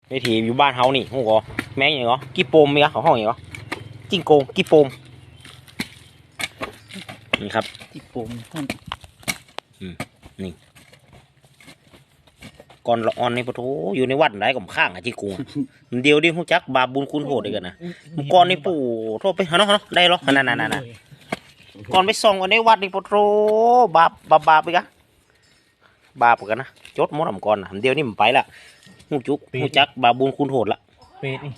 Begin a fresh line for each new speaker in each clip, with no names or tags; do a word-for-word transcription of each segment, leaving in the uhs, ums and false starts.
วิถีอยู่บ้านเฮานี่ฮู้ก็แม่งอย่างก็กี่โปมมีก็เขาห้องอย่างก็จิ้งโกงกี่โปมนี่ครับ
ที่ปุ่มท่าน
ก่อนละออนนี่ปะโถอยู่ในวัดไหนก็ข้างอ่ะจิ้งโกงมันเดียวดิฮู้จักบาปบุญคุณโทษด้วยกันนะก่อนนี่ปู่โทษไปหาเนาะเนาะได้หรอนั่นๆๆๆก่อนไปส่องกันในวัดนี่ปะโถบาปบาปบาปไปกะบาปกันนะจดหมดอำก่อนนะเดียวนี่มันไปละฮู้จุกฮู้จักบาปบุญคุณโทษละ
เป็ดนี่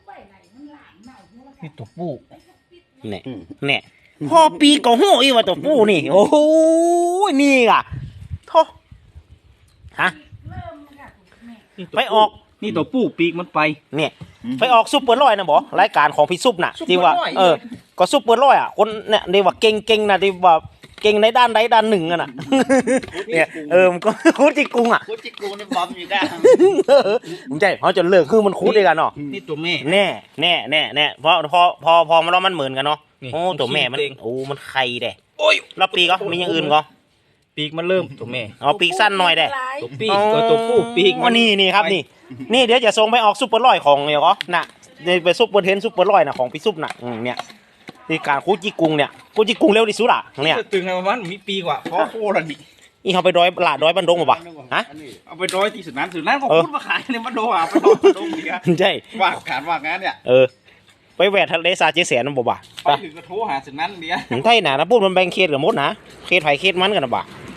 นี่ตัวปู
เนี่ยเนี่ยพ่อปีก็หูอีว่าตัวปูนี่โอ้โหนี่อ่ะโทฮะไปออก
นี่ตัวปูปีกมันไป
เนี่ยไปออกซุปเปอร์ร้อยนะบอรายการของพี่ซุปน่ะที่ว่าเออก็ซุปเปอร์ร้อยอ่ะคนเนี่ยที่ว่าเก่งเก่งนะที่ว่าเก่งในด้านใดด้านหนึ่งอ่ะน่ะเนี่ยเออมันก็คุดจิกุงอ่ะ
คุจิกูนี่บอมอยู่ได้
ผมใจเขาจะเลิกคือมันคุดด้วยกันเนาะ
นี่ตัวแม่
แน่แน่แน่แน่พอพอพอพอมาแล้วมันเหมือนกันเนาะโอ้ตัวแม่มันโอ้มันไข่เด้โอ้ยแล้วปีก็มีอย่างอื่นก็
ปีกมันเริ่มตัวแม่
เอาปีกสั้นหน่อยเด้
ตัวปีกตัวตัวปูปีก
อ๋อนี่นี่ครับนี่นี่เดี๋ยวจะส่งไปออกซุปเปอร์ร้อยของเนี่ยก็น่ะนี่ไปซุปเปอร์เทนซุปเปอร์ร้อยน่ะของพี่ซุปน่ะอืมเนี่ยนี่การคูจิกุงเนี่ยคูจิกุงเร็วที่สุดอ่ะเนี่ย
ตึงไงประมาณมีปีกว่าเพราะโคตรดิ
นี่เขาไปร้อยหลาดร้อยบันดงมาปะฮะ
เอาไปร้อยที่สุดนั้นสุดนั้นก็พูดมาขายในมาโดอ่ะไปร้อยมาโดดีอ่ะ
ใช่
ว่าขาดว่างานเนี่ย
เออไปแหวกทะเลสาบเจแสนนั่นบ่บ่ะ
ไปถึงก็โทรหาสุดนั้นเดียว
ไทยน่ะนะพูดมันแบ่งเขตกับมดนะเขตไผ่เขตมันกันนะบ่ะ
เ